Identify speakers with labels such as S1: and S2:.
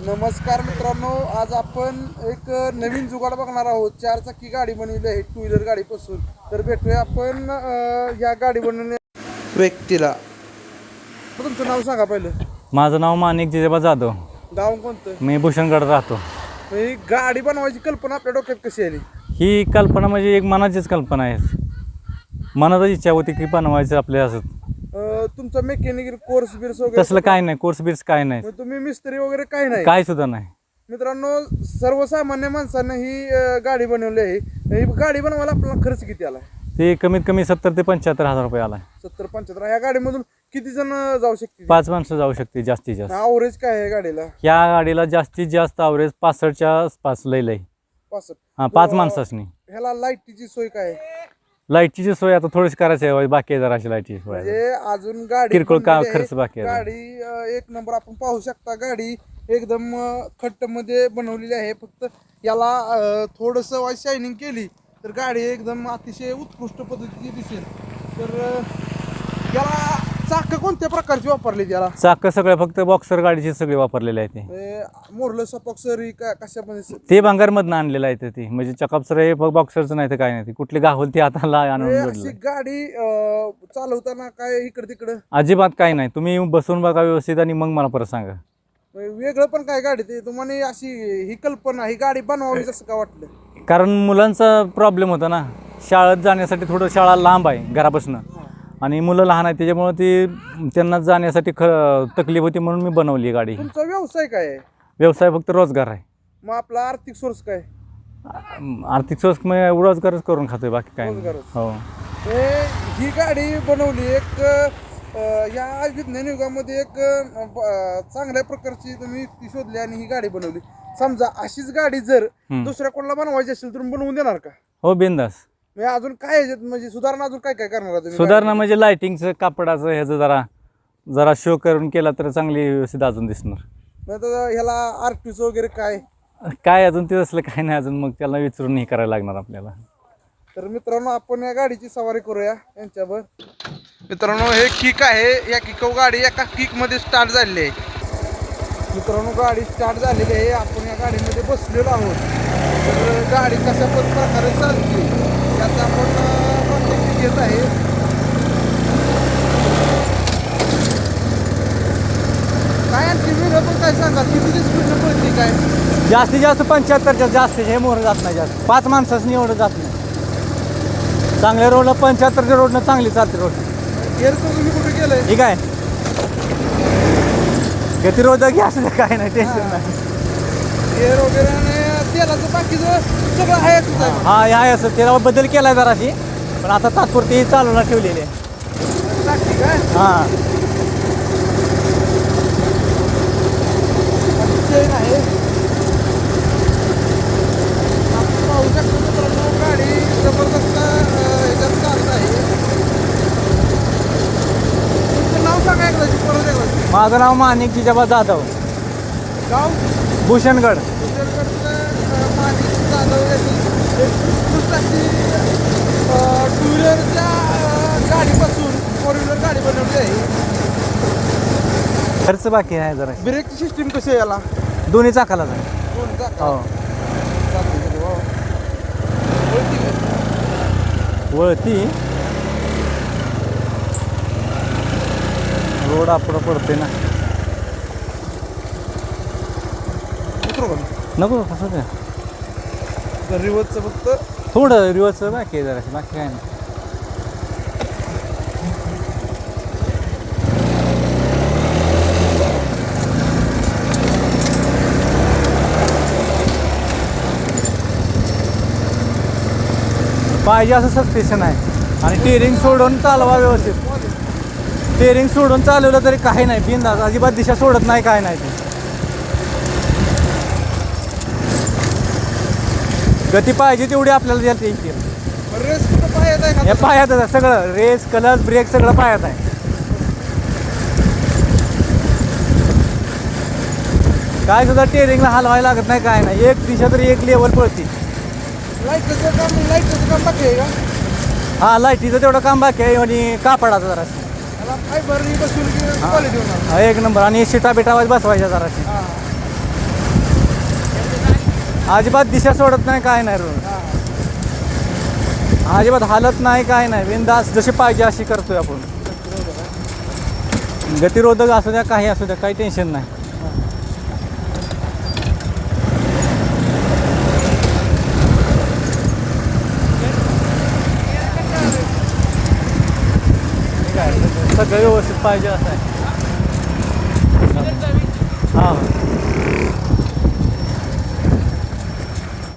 S1: नमस्कार मित्रांनो, आज आपण एक नवीन जुगाड बघणार आहोत. 4 चाकी गाडी बनवली आहे, 2 व्हीलर गाडीपासून. तर भेटूया आपण या गाडी बनवण्या व्यक्तीला. तुमचं नाव सांगा पहिलं.
S2: माझं नाव माणिक जिजेबा जाधव.
S1: गाव कोणतं?
S2: मी भूषणगड राहतो.
S1: ही गाडी बनवायची कल्पना आपल्या डोक्यात कशी आली?
S2: ही कल्पना म्हणजे एक मनाचीच कल्पना आहे. मनातच इच्छा होती की बनवायचं आपल्या असं.
S1: तुमचा मेकॅनिकल कोर्स बिर्स वगैरे
S2: तसलं काय नाही, कोर्स बिर्स काय नाही,
S1: तुम्ही मिस्त्री वगैरे काय नाही?
S2: काय सुद्धा नाही.
S1: मित्रांनो, सर्वसामान्य माणसानं ही गाडी बनवली आहे. ही गाडी बनवायला आपल्याला खर्च किती आला?
S2: ते कमीत कमी 70 ते 75 हजार रुपये आला.
S1: 70-75. या गाडीमधून किती जण जाऊ शकतील?
S2: 5 माणसं जाऊ शकते जास्तीत जास्त.
S1: ॲव्हरेज काय आहे गाडीला?
S2: या गाडीला जास्तीत जास्त ॲव्हरेज 65च्या आसपास लई.
S1: 65.
S2: हां, 5 माणसांनी.
S1: ह्याला लाईटीची सोय काय आहे?
S2: लाईटची सोय आता थोडीशी करायची आहे, बाकी आहे जराशी लाईटची सोय.
S1: म्हणजे अजून गाडी
S2: किरकोळ
S1: बनलेली आहे.
S2: खर्च बाकी आहे.
S1: गाडी एक नंबर आपण पाहू शकता. गाडी एकदम खट्ट मध्ये बनवलेली आहे. फक्त याला थोडंसं शायनिंग केली तर गाडी एकदम अतिशय उत्कृष्ट पद्धतीची दिसेल. तर याला चाक कोणत्या प्रकारची वापरली? त्याला
S2: चाक सगळे फक्त बॉक्सर गाडीचे सगळे वापरलेले आहे. ते
S1: मोरलं सपॉक्सरी कशामध्ये?
S2: ते भांगारमधनं आणलेलं आहे. ते म्हणजे चकापसर हे बॉक्सरचं नाही तर काय नाही. कुठली गावल ती हाताला आणून
S1: अशी गाडी चालवताना काय इकडे तिकडे
S2: अजिबात काय नाही. तुम्ही बसून बघा व्यवस्थित आणि मग मला परत सांगा.
S1: वेगळं पण काय गाडी ते तुम्हाला अशी ही कल्पना ही गाडी बनवावी जसं का वाटलं?
S2: कारण मुलांचा प्रॉब्लेम होता ना, शाळेत जाण्यासाठी थोडं शाळा लांब आहे घरापासून आणि मुलं लहान आहेत, त्याच्यामुळे ती त्यांना जाण्यासाठी तकलीफ होती म्हणून मी बनवली गाडी.
S1: तुमचा व्यवसाय काय आहे?
S2: व्यवसाय फक्त रोजगार आहे.
S1: मग आपला आर्थिक सोर्स काय?
S2: आर्थिक सोर्स मग रोजगारच करून खातोय, बाकी काय नाही. हो,
S1: ही गाडी बनवली एक या विज्ञान युगामध्ये एक चांगल्या प्रकारची तुम्ही ती शोधली आणि ही गाडी बनवली. समजा अशीच गाडी जर दुसऱ्या कोणाला बनवायची असेल तर बनवून देणार का?
S2: हो, बिंदास.
S1: अजून काय म्हणजे सुधारणा अजून काय काय करणार तुम्ही?
S2: सुधारणा म्हणजे लाइटिंगचं, कापडाचं, ह्याचं जरा शो करून केला तर चांगली व्यवस्थित अजून दिसणार.
S1: ह्याला आरटीओ वगैरे
S2: काय अजून ते असलं काय नाही अजून, मग त्याला विचारून हे करायला लागणार आपल्याला.
S1: तर मित्रांनो, आपण या गाडीची सवारी करूया यांच्यावर. मित्रांनो, हे किक आहे. या किक गाडी एका किक मध्ये स्टार्ट झालेली आहे. मित्रांनो, गाडी स्टार्ट झालेली आहे. आपण या गाडीमध्ये बसलेलो आहोत. तर गाडी कशा प्रकारे चालते याचा आपण कॉन्टॅक्ट घेत आहे. काय आणखी वेगळं पण काय सांगा? किती स्पीडनं पळते काय?
S2: जास्तीत जास्त 75च्या जास्त हे मोहर जात नाही जास्त. 5 माणसांनी एवढं जात नाही. चांगल्या रोडला 75च्या रोडनं चांगली चालते रोड.
S1: गेअरचं तुम्ही कुठे गेलंय?
S2: ठीक आहे, गतिरोधक असं काय नाही, टेन्शन नाही.
S1: गेअर वगैरे आणि तेलाचं बाकीचं सगळं आहे.
S2: हा, आहे असं. त्याला बदल केलाय जराशी, पण आता तात्पुरती चालवणार ठेवलेली आहे.
S1: काय?
S2: हां,
S1: चेन आहे. आपण पाहू शकतो मित्रांनो, गाडी जबरदस्त ह्याच्यात चालत आहे. तुमचं नाव सांगा एकदा परत एकदा.
S2: माझं नाव माणिक जिजेबा जाधव,
S1: गाव
S2: भूषणगड.
S1: माणिक जाधव यांनी एक उत्कृष्ट अशी 2 व्हीलरच्या गाडीपासून 4 व्हीलर गाडी बनवली आहे.
S2: खर्च बाकी आहे जरा.
S1: ब्रेकची सिस्टीम कशी आहे याला?
S2: दोन्ही चाकाला जाईल.
S1: दोन चाक.
S2: हो, वळती रोड आपलं पडते ना. नको कसं ते
S1: रिवर्सचं फक्त
S2: थोडं रिवर्सचं बाकी आहे जरा, बाकी काय नाही. पाहिजे असं सस्पेन्शन आहे आणि टेरिंग सोडून चालवा व्यवस्थित. टेरिंग सोडून चालवलं तरी काही नाही, बिनधास्त अजिबात दिशा सोडत नाही, काय नाही. ते गती पाहिजे तेवढी आपल्याला द्यायला येईल.
S1: रेस कुठं पायात आहे
S2: हे पायातच आहे सगळं. रेस, क्लच, ब्रेक सगळं पायात आहे. काय सुद्धा टेरिंगला हलवायला लागत नाही, काय नाही. एक दिशा तरी एक लेवल पळती.
S1: लाईटचं काम बाकी आहे का?
S2: हां, लाईटीचं तेवढं काम बाकी आहे आणि कापडाचं जरा
S1: फायबर बसून क्वालिटी होणार.
S2: एक नंबर. आणि शिटा बिटा बसवायच्या जराशी. अजिबात दिशा सोडत नाही, काय नाही रोड. अजिबात हालत नाही, काय नाही. बिनधास्त जशी पाहिजे अशी करतोय आपण. गतिरोधक असू द्या, काही असू द्या, काही टेन्शन नाही. सगळं व्यवस्थित पाहिजे असं आहे. हां.